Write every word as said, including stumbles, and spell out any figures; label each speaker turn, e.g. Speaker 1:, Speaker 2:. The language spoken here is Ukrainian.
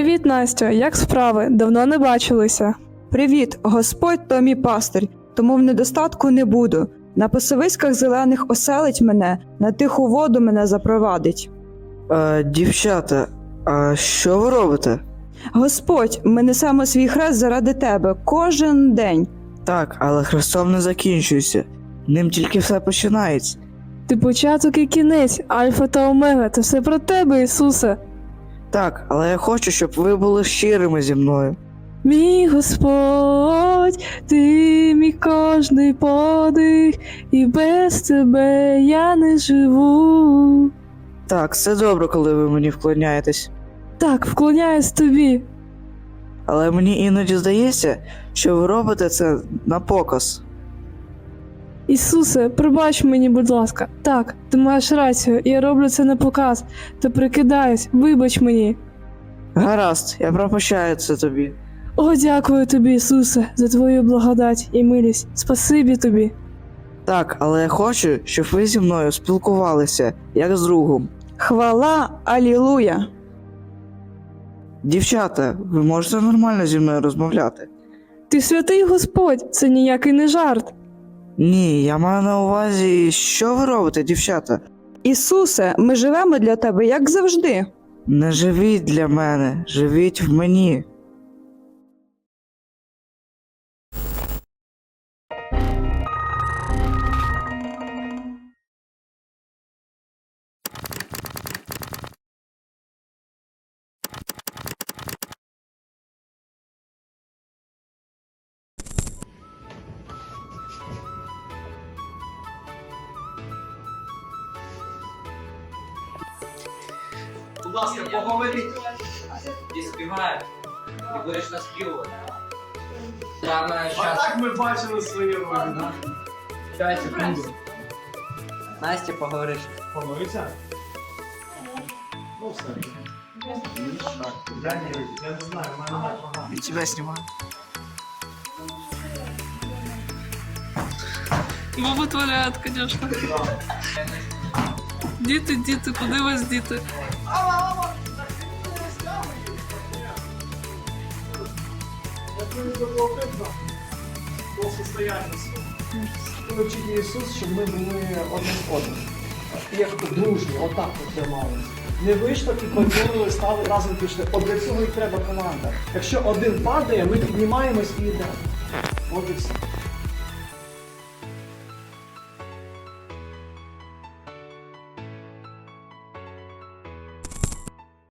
Speaker 1: Привіт, Настю, як справи? Давно не бачилися.
Speaker 2: Привіт, Господь то мій пастир, тому в недостатку не буду. На пасовиськах зелених оселить мене, на тиху воду мене запровадить.
Speaker 3: Е, дівчата, а що ви робите?
Speaker 2: Господь, ми несемо свій хрест заради тебе кожен день.
Speaker 3: Так, але хрестом не закінчується. Ним тільки все починається.
Speaker 1: Ти початок і кінець, альфа та омега, це все про тебе, Ісусе.
Speaker 3: Так, але я хочу, щоб ви були щирими зі мною.
Speaker 1: Мій Господь, ти мій кожний подих, і без тебе я не живу.
Speaker 3: Так, це добре, коли ви мені вклоняєтесь.
Speaker 1: Так, вклоняюсь тобі.
Speaker 3: Але мені іноді здається, що ви робите це на показ.
Speaker 1: Ісусе, пробач мені, будь ласка. Так, ти маєш рацію, я роблю це на показ, та прикидаюсь, вибач мені.
Speaker 3: Гаразд, я пробачаю це тобі.
Speaker 1: О, дякую тобі, Ісусе, за твою благодать і милість. Спасибі тобі.
Speaker 3: Так, але я хочу, щоб ви зі мною спілкувалися, як з другом.
Speaker 2: Хвала, алілуя!
Speaker 3: Дівчата, ви можете нормально зі мною розмовляти?
Speaker 1: Ти святий Господь, це ніякий не жарт.
Speaker 3: Ні, я маю на увазі, що ви робите, дівчата?
Speaker 2: Ісусе, ми живемо для тебе, як завжди.
Speaker 3: Не живіть для мене, живіть в мені.
Speaker 4: Будь ласка, поговоріть. І співає. І будеш наспівувати. Саме
Speaker 5: А
Speaker 4: щас.
Speaker 5: так ми бачили свої ролі, да?
Speaker 4: П'ять секунд. Настя, поговориш.
Speaker 5: Помився? Ну все. Я не, я не знаю, в мене так багато.
Speaker 3: І тебе знімаю.
Speaker 1: Бабу творят, звісно. Діти, діти, куди вас діти?
Speaker 5: Я думаю, це було видно до состояння свого. Коли вчить Ісус, щоб ми були одним з одним. Як дружні, отак от трималися. Не вийшло і поділили, стали разом пішли. От для цього і треба команда. Якщо один падає, ми піднімаємось і йдемо. От і все.